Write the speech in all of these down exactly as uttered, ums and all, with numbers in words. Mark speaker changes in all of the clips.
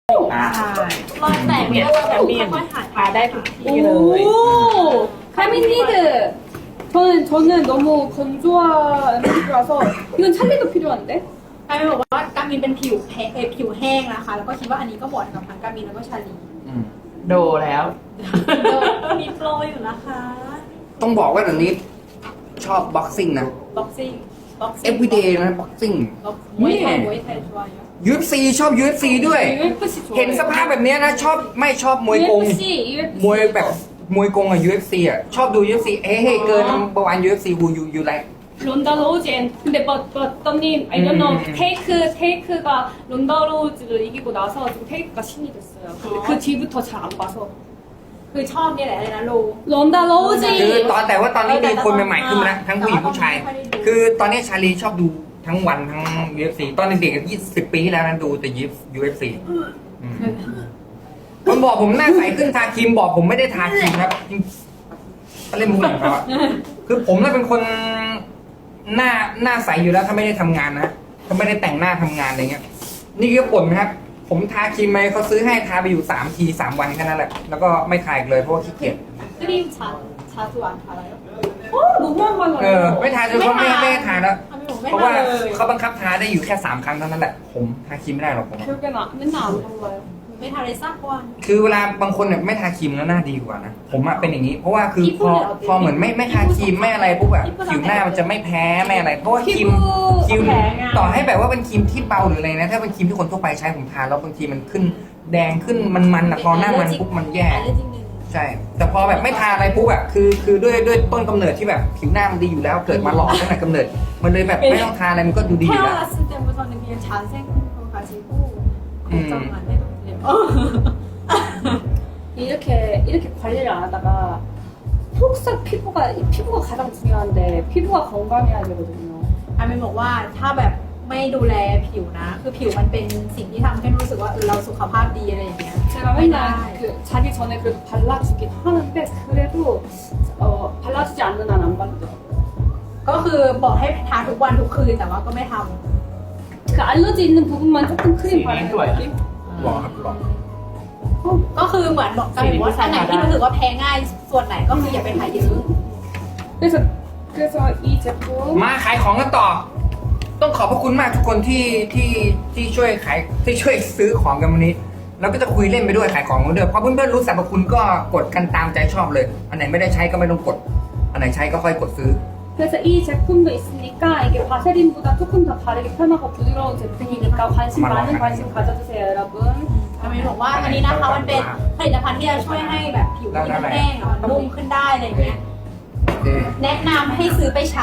Speaker 1: อ่า
Speaker 2: ใช่
Speaker 3: รอยแตกเนี่ย
Speaker 2: แคมเมียน
Speaker 3: ค่อยๆหาย
Speaker 2: ทาได้ทุกที่เลย
Speaker 1: 오! 카미니드! 저는, 저는 너무 건조한 피부라서 이건 찰리도 필요한데?
Speaker 3: กามินบอกว่ากามินเป็นผิวแพ้เอ่อผิวแห้งนะคะ แล้วก็คิดว่าอันนี้ก็เหมาะกับทั้งกามินแล้วก็ชาลี
Speaker 1: อืม
Speaker 2: โดแล้ว
Speaker 3: มีโปรอยู่นะคะ
Speaker 1: ต้องบอกว่าเดี๋ยวนี้ชอบบ็อกซิ่งนะ
Speaker 3: บ็อกซิ่งบ็อกซิ่ง
Speaker 1: everyday นะบ็อกซิ่ง
Speaker 3: มวยไทยมวยไทยช่วย
Speaker 1: ยู เอฟ ซี ชอบ ยู เอฟ ซี ด้วย
Speaker 4: ยูเอฟซี
Speaker 1: เห็นสภาพแบบเนี้ยนะ ชอบไม่ชอบมวยกง
Speaker 4: ยู เอฟ ซี ยู เอฟ ซี
Speaker 1: มวยแบบมวยกงอะ ยู เอฟ ซี อะชอบดู ยู เอฟ ซี เฮ้เฮ้เกินประมาณ ยู เอฟ ซี who you you like
Speaker 4: 론다 로우즈 앤 근데 but but 떡님 I don't know
Speaker 1: 음.
Speaker 4: 테이크 테이크가 론다 로우즈를 이기고 나서 지금 테이크가 신이 됐어요. 근데 그 뒤부터 잘 안 봐서
Speaker 3: คือชอบเนี่ยแหละอะไรนะโล
Speaker 4: 론다
Speaker 1: คือ
Speaker 4: 로우즈
Speaker 1: ตอนแต่ว่าตอนนี้มีคนใหม่ๆขึ้นมาแล้วทั้งผู้หญิงผู้ชาย คือตอนนี้ชาลีชอบดูทั้งวันทั้ง ยู เอฟ ซี ตอนเด็กๆยี่สิบปีที่แล้วนั้นดูแต่ ยู เอฟ ซี อืมคนบอกผมหน้าใสขึ้นทาครีมบอกผมไม่ได้ทาครีมครับเล่นมุกของเขาอะคือผมน่ะเป็นคนหน้าหน้าใสอยู่แล้วถ้าไม่ได้ทำงานนะถ้าไม่ได้แต่งหน้าทำงานอะไรเงี้ย นี่ก็ผลนะครับ ผมทาครีมไปเขาซื้อให้ทาไปอยู่สามทีสามวันแค่นั้นแหละแล้วก็ไม่ทาอีกเลยเพราะว่าขี้เกียจ
Speaker 3: ครีมชาชาจวนทาอะไร
Speaker 4: 어 너무 안
Speaker 1: เออ
Speaker 4: 발라요.
Speaker 1: ไม่ทาจนเขาไม่ไม่ให้ทาแล้ว
Speaker 3: ทำไมผมไม่
Speaker 1: เพราะ
Speaker 3: ทา
Speaker 1: ว่า
Speaker 3: เลย
Speaker 1: เขาบังคับทาได้อยู่แค่สามครั้งเท่านั้นแหละผมทาครีมไม่ได้หรอกผม
Speaker 4: 결국엔 안- 맨날 안 발라요.
Speaker 3: ไม่ทาเลยสักวัน
Speaker 1: คือเวลาบางคนเนี่ยไม่ทาครีมแล้วหน้าดีกว่านะผมอะเป็นอย่างนี้ เพราะว่าคือพอพอเหมือนไม่ไม่ทาครีมไม่อะไรปุ๊บอะผิวหน้ามันจะไม่แพ้ไม่อะไร เพราะว่าครีมครีมต่อให้แบบว่าเป็นครีมที่เบาหรืออะไรนะถ้าเป็นครีมที่คนทั่วไปใช้ผมทาแล้วบางทีมันขึ้นแดงขึ้นมันๆอะพอหน้ามันปุ๊บมันแย่
Speaker 3: เรื่องจริงหนึ่ง
Speaker 1: ใช่ แต่พอแบบไม่ทาอะไรปุ๊บอะคือคือด้วยด้วยต้นกำเนิดที่แบบผิวหน้ามันดีอยู่แล้วเกิดมาหล่อตั้งแต่กำเนิด มันเลยแบบไม่ต้องทาอะไรมันก็ดูดีอยู่แล้ว
Speaker 3: 태어났을 때부터는 그냥 잘생겨가지고
Speaker 1: 음.
Speaker 3: 걱정 안 해도 돼요.
Speaker 4: 이렇게 이렇게 관리를 안 하다가 속sak 피부가 피부가 가장 중요한데 피부가 건강해야 되거든요.
Speaker 3: อามินบอกว่าถ้าแบบไม่ดูแลผิวนะ คือผิวมันเป็นสิ่งที่ทำให้รู้สึกว่าเออเราสุขภาพดีอะไรอย่างเงี้ย
Speaker 4: 제가
Speaker 3: ไม่ได้
Speaker 4: 맨날 그 자기 전에 그래도 발라주긴 하는데 그래도 어 발라주지 않는 한 안 바르더라고요.
Speaker 3: ก็คือบอกให้ทาทุกวันทุกคืนแต่ว่าก็ไม่ท
Speaker 4: 그 알러지 있는 부분만 조금 크림 바르는
Speaker 2: 좋아요.
Speaker 4: 느낌?
Speaker 1: บอกครับบอก
Speaker 3: ำก็คือเหมือนบอกกันว่าอันไหนที่รู้สึกว่าแพ้ง่ายส่วนไหนก็คืออย่าไปทาเยอะ
Speaker 4: 그래서 그래서 이 제품
Speaker 1: มาขายของกันต่อ ต้องขอบพระคุณมากทุกคนที่ที่ที่ช่วยขายที่ช่วยซื้อของกันวันนี้ แล้วก็จะคุยเล่นไปด้วยขายของกันด้วยเพราะเพื่อนๆรู้สรรพคุณก็กดกันตามใจชอบเลย อันไหนไม่ได้ใช้ก็ไม่ต้องกด อันไหนใช้ก็ค่อยกดซื้อ
Speaker 4: 그래서 이 제품도 있으니까 이게 바세린보다 조금 더 바르기 편하고 부드러운 제품이니까 관심 많은 관심 가져주세요 여러분.
Speaker 3: อามินบอกว่าอันนี้นะคะมันเป็นผลิตภัณฑ์ที่จะช่วยให้แบบผิวที่มันแห้งอะมันนุ่มขึ้นได้อะไรอย่างเงี้ย
Speaker 1: โอเค
Speaker 3: แนะนำให้ซื้อไปใช้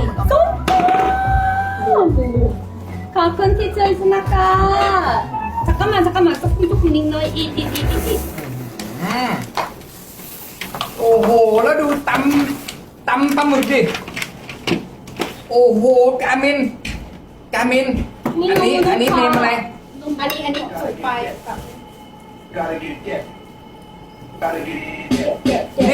Speaker 4: 가끔 티저에 스나까 잠깐만 잠깐만 조금 조금 링너 이이이이
Speaker 1: อืมโอ้โห แล้วดูตำตำปลาหมึกดิ โอ้โห กามิน กามิน อันนี้ อันนี้เนมอะไร
Speaker 3: อันนี้อันนี้สุกไปแบบ
Speaker 5: Gotta get it, yeah. Gotta get it, yeah.
Speaker 1: นี่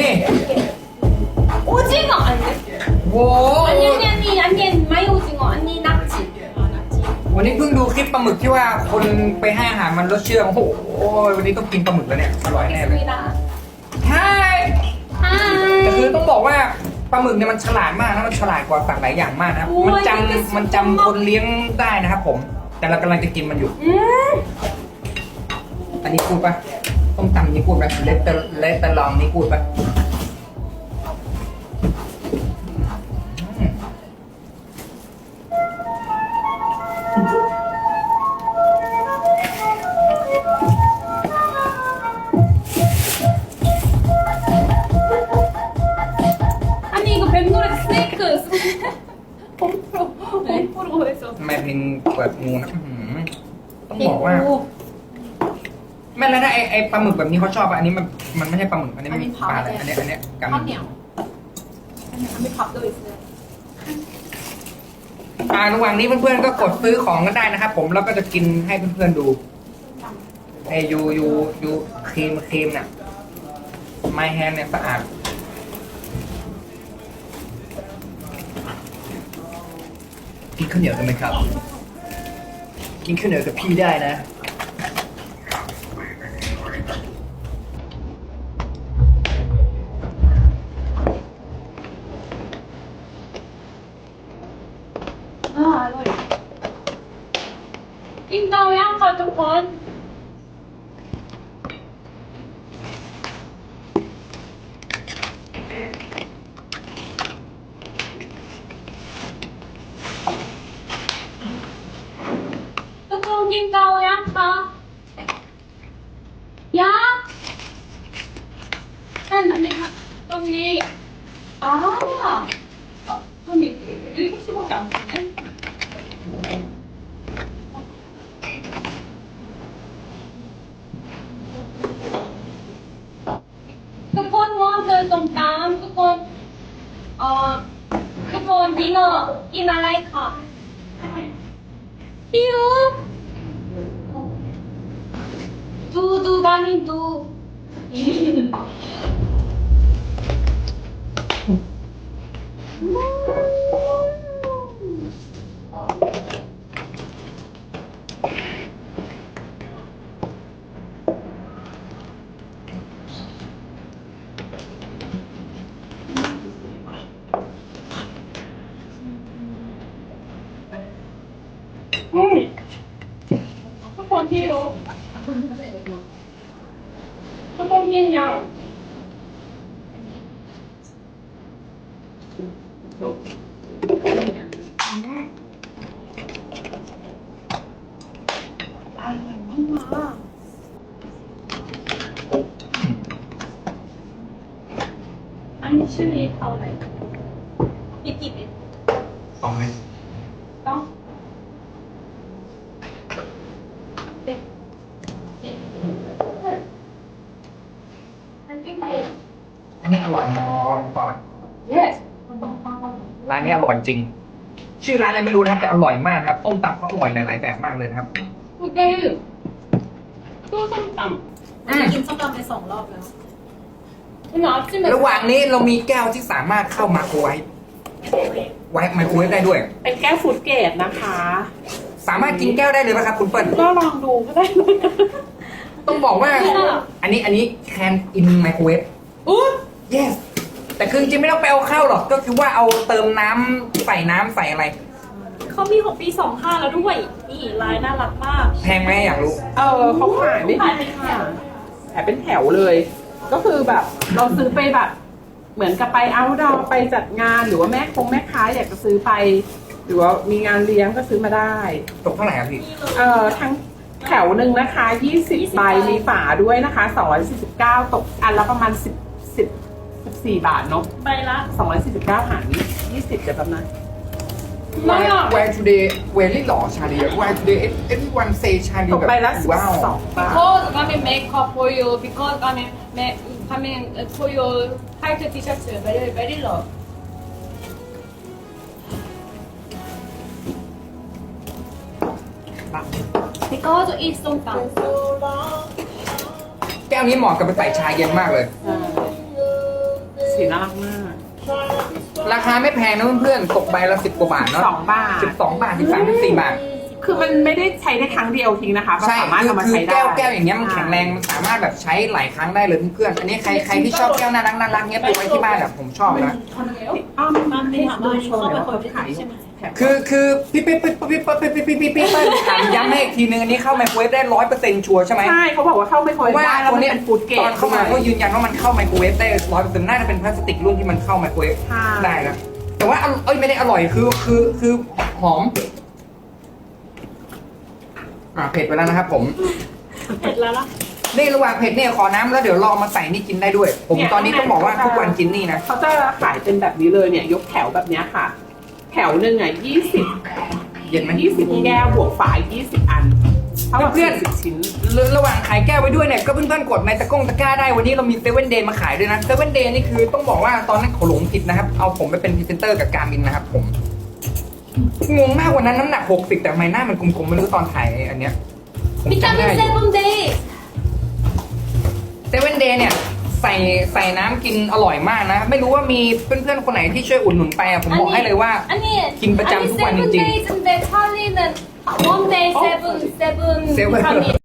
Speaker 4: 오징어 아니
Speaker 1: โว้
Speaker 4: 아니 아니 아니 아니 마이 오징어 아니 낙지
Speaker 1: วันนี้เพิ่งดูคลิปปลาหมึกที่ว่าคนไปให้อาหารมันลดเชื่องโอ้โห วันนี้ต้องกินปลาหมึกแล้วเนี่ย อร่อยแน่เลย
Speaker 4: 있습니다.
Speaker 1: ใช่ แต่คือ
Speaker 4: 하이
Speaker 1: ต้องบอกว่าปลาหมึกเนี่ยมันฉลาดมากนะมันฉลาดกว่าสัตว์หลายอย่างมากนะครับ
Speaker 4: โอ้ย
Speaker 1: มันจ
Speaker 4: นี่ก็สุด
Speaker 1: ำมันจำคนเลี้ยงได้นะครับผม แต่เรากำลังจะกินมันอยู่
Speaker 4: 음
Speaker 1: อันนี้พูดปะต้มตำนี่พูดปะเลตเตอร์เลตเตอร์ลองนี่พูดปะอืม
Speaker 4: 아니 이거 뱀노래 스네이크 봄프로 봄프로 해서
Speaker 1: ทำไมเพลงเปิดงูนะอื้อหือต้องบอกว่า แม่แล้วถ้าไอไอปลาหมึกแบบนี้เขาชอบอะอันนี้มันมันไม่ใช่ปลาหมึกอันนี้มันปลาอะไรอันเนี้ยอันเนี้ยกำ
Speaker 3: ข้าวเหนียวอันนี้ไม่พับด้วยเลย
Speaker 1: อ่าระหว่างนี้เพื่อนๆก็กดซื้อของกันได้นะครับผมแล้วก็จะกินให้เพื่อนๆดูไอยูยูยูครีมครีมเนี่ยไมแฮนเนี่ยสะอาดกินข้าวเหนียวกันไหมครับ กินข้าวเหนียวกับพี่ได้นะ
Speaker 4: 이 아, 한 일곱 시밖에 안 되네.ทุกคนวอนเดินตรงกลางทุกคนเอ่อทุกคนกินเอ่อกินอะไรค่ะหิวดูดูบานี่ดู อืมทุกคนที่รู้ทุกคนกินยังอร่อยมากอันนี้ชื่อนี้เท่าไหร่พี่กี่เป็น
Speaker 1: สองเลย
Speaker 4: ต้อง
Speaker 1: อันนี้อร่อยมากก่อน
Speaker 4: yes
Speaker 1: ร้านนี้อร่อยจริง ชื่อร้านอะไรไม่รู้นะครับแต่อร่อยมากครับต้มตำเขาอร่อยหลายๆแบบมากเลยนะครับ
Speaker 4: โอเคตู้ส้มตำ
Speaker 1: อืม
Speaker 3: กินส้มตำไปสองรอบแล้ว
Speaker 4: คุณอาชิม
Speaker 1: ระหว่างนี้เรามีแก้วที่สามารถเข้ามาโครไวฟไว้ไมโครเวฟได้ด้วย
Speaker 2: เป็นแก้วฟูดเกรดนะคะ
Speaker 1: สามารถกินแก้วได้เลยไหมครับคุณเปิ้ล
Speaker 2: ก็ลองดูก็ได้
Speaker 1: ต้องบอกว่า อันนี้อันนี้ can in microwave
Speaker 2: อู้
Speaker 1: yes แต่คือจริงๆไม่ต้องไปเอาเข้าหรอกก็คือว่าเอาเติมน้ำใส่น้ำใส่อะไร
Speaker 3: เขามีของปีสองห้าแล้วด้วย นี่ลายน่ารักมาก
Speaker 1: แพงไหมอยากรู้
Speaker 2: เออเขาขายไม่แพงค่ะขายเป็นแถวเลย ก็คือแบบเราซื้อไปแบบ เหมือนกับไปเอาท์ดอร์ไปจัดงานหรือว่าแม่คงแม่ค้าอยากจะซื้อไป หรือว่ามีงานเลี้ยงก็ซื้อมาได้
Speaker 1: ตกเท่าไหร่ครับพี่
Speaker 2: เอ่อทั้งแถวหนึ่งนะคะยี่สิบใบมีฝาด้วยนะคะสองร้อยสี่สิบเก้าตกอันละประมาณสิบ สิบ สิบสี่บาทเนาะ
Speaker 3: ใบละ
Speaker 2: สองร้อยสี่สิบเก้าหารยี่สิบเดี๋ยวแป๊บนะ
Speaker 1: Where Where today very หล่อชาลี Where today everyone say ชาลี
Speaker 2: ตก
Speaker 1: แบบ
Speaker 2: ใบละ
Speaker 1: ว้าว
Speaker 2: สิบสองบาท
Speaker 4: because coming makeup for you because coming make coming for your white t-shirt very very low because it's ส้มตำ
Speaker 1: แก้วนี้เหมาะกับไปใส่ชาเย็นมากเลย
Speaker 2: สีน่ารักมาก
Speaker 1: ราคาไม่แพงนะเพื่อนๆตกใบละสิบกว่าบาทเนาะ
Speaker 2: สองบาท
Speaker 1: สิบสองบาทสิบสามสิบสี่บาท
Speaker 2: คือมันไม่ได้ใช้ได้ครั้งเดียวทิ้งนะคะมัน
Speaker 1: ใช่
Speaker 2: สามารถ
Speaker 1: คือ
Speaker 2: เอามา
Speaker 1: คือ
Speaker 2: ใช้ได้
Speaker 1: แก้วแก้วอย่างเงี้ยมันแข็งแรงมันสามารถแบบใช้หลายครั้งได้เลยเพื่อนๆอันนี้ใครใครที่ชอบแก้วน่ารักน่ารักเงี้ยไปไว้ที่บ้านแบบผมชอบนะ
Speaker 2: อ้าว
Speaker 3: มันไม่ถาม
Speaker 2: ดู
Speaker 3: ว่า
Speaker 2: โชว์หน่อยว่า
Speaker 3: เข้า
Speaker 2: เขา
Speaker 3: ไป
Speaker 2: ขาย
Speaker 3: ใช่ไหม
Speaker 2: แถม
Speaker 1: คือคือพี่พี่พี่พี่พี่พี่พี่พี่พี่พี่ถามย้ำให้อีกทีนึงอันนี้เข้าไมโครเวฟได้ร้อยเปอร์เซ็นต์ชัวร์ใช่ไหม
Speaker 2: ใช่เขาบอกว่าเข้าไม่
Speaker 1: เพ
Speaker 2: ค่อย
Speaker 1: ราะว่า
Speaker 2: ได้แล้ว
Speaker 1: ตัว
Speaker 2: มัน
Speaker 1: เนี้ย
Speaker 2: เป็นฟูดเกรด
Speaker 1: ตอนเข้ามาเขายืนยันว่ามันเข้าไมโครเวฟได้ร้อยเปอร์เซ็นต์น่าจะเป็นพลาสติกรุ่นที่มันเข้าไมโครเวฟ
Speaker 2: ใช่
Speaker 1: ได้นะแต่ว่าเอ้ยไม่ได้อร่อยคือคือคือหอมอ่าเผ็ดไปแล้วนะครับผม
Speaker 3: เผ็ดแล้วล่ะ
Speaker 1: นี่ระหว่างเผ็ดเนี่ยขอน้ำแล้วเดี๋ยวลองมาใส่นี่กินได้ด้วย ผมตอนนี้ต้องบอกว่าทุกวันกินนี่นะ
Speaker 2: เขาจะขายเป็นแบบนี้เลยเนี่ย ยกแถวแบบเนี้ยค่ะ แถวหนึ่งอ่ะยี่สิบ
Speaker 1: เย็นไหม
Speaker 2: ยี่สิบแก้วบวกฝายี่สิบอันเท่ากับ
Speaker 1: เพื่อน
Speaker 2: สิบชิ้น
Speaker 1: ระหว่างขายแก้วไว้ด้วยเนี่ยก็เพื่อนๆกดในตะกร้งตะกร้าได้วันนี้เรามีเซเว่นเดย์มาขายด้วยนะเซเว่นเดย์นี่คือต้องบอกว่าตอนนั้นเขาหลงผิดนะครับเอาผมไปเป็นพรีเซนเตอร์กับการมินนะครับผมงงมากวันนั้นน้ำหนักหกสิบแต่ทำไมหน้ามันกลมๆไม่รู้ตอนถ่ายอันเนี้ยผมจำได้
Speaker 4: 비타민 세븐데이
Speaker 1: เซเว่นเดย์เนี่ยใส่ใส่น้ำกินอร่อยมากนะ ไม่รู้ว่ามีเพื่อนๆคนไหนที่ช่วยอุดหนุนไปอะผมบอกให้เลยว่า
Speaker 4: 아니
Speaker 1: 김ประจำ
Speaker 4: 아니
Speaker 1: ทุกวันจริงๆ
Speaker 4: 세븐데이즈인데 찰리는 원데이 세븐 세븐
Speaker 1: 세븐.
Speaker 4: 비타민